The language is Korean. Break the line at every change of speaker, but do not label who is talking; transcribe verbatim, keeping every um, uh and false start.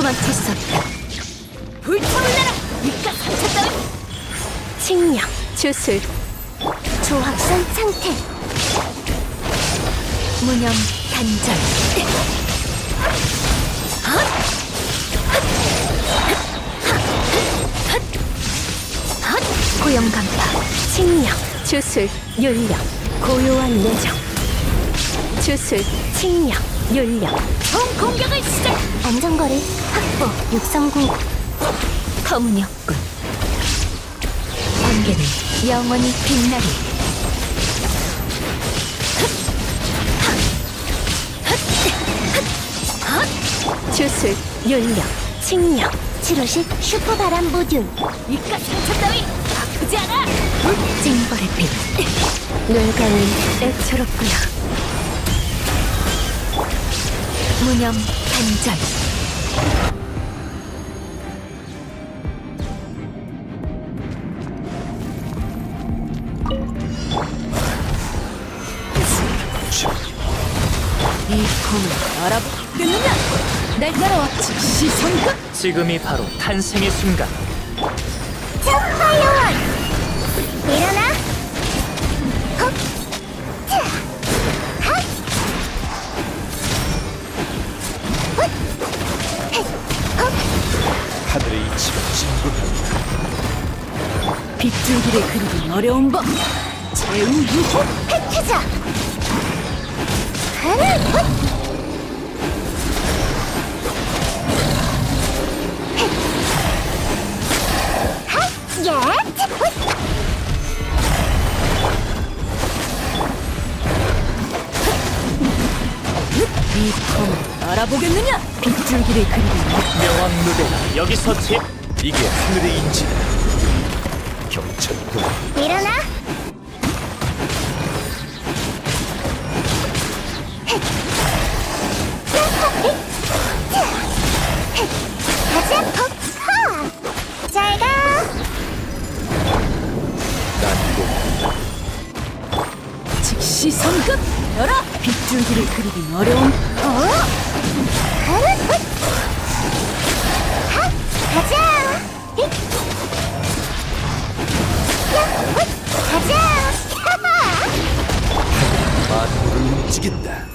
도망칠 수 없다. 불타올라라! 입가 상처 따위! 칭령, 주술, 조합선 상태, 무념, 단절. 고용간파, 칭령, 주술, 윤령, 고요한 내정. 주술, 칭령, 윤령, 총 공격을 시작! 안전거리 확보, 육성공고. 터무니없군. 번개는 영원히 빛나리. 주술, 윤령, 칭령, 치료식 슈퍼바람 모듈. 입가 상처 따위 아프지 않아! 징벌의 빛. 뇌관이 애처롭구나. 무념, 단절. 이 검을 알아보겠느냐? 날 따라와. 즉시 성급!
지금이 바로 탄생의 순간.
파이어원! 일어나! 헉! 자! 핫! 훗! 헷! 헉!
하늘의 이치가 진군한다.
빗줄기를 그리기 어려운 법! 제우유호! 획해자! 하늘! 훗! 야! 이 검을 알아보겠느냐? 빗줄기를 그리기
명왕 누대가 여기서 제
이게 하늘의 인지다. 경찰도
일어나! 가자! 헉! 잘 가!
난고
즉시 성급! 열어! 빗줄기를 그리긴 어려운 어? 하루! 훗! 하! 가자! 힛! 야! 훗! 가자! 하하!
만물을 움직인다.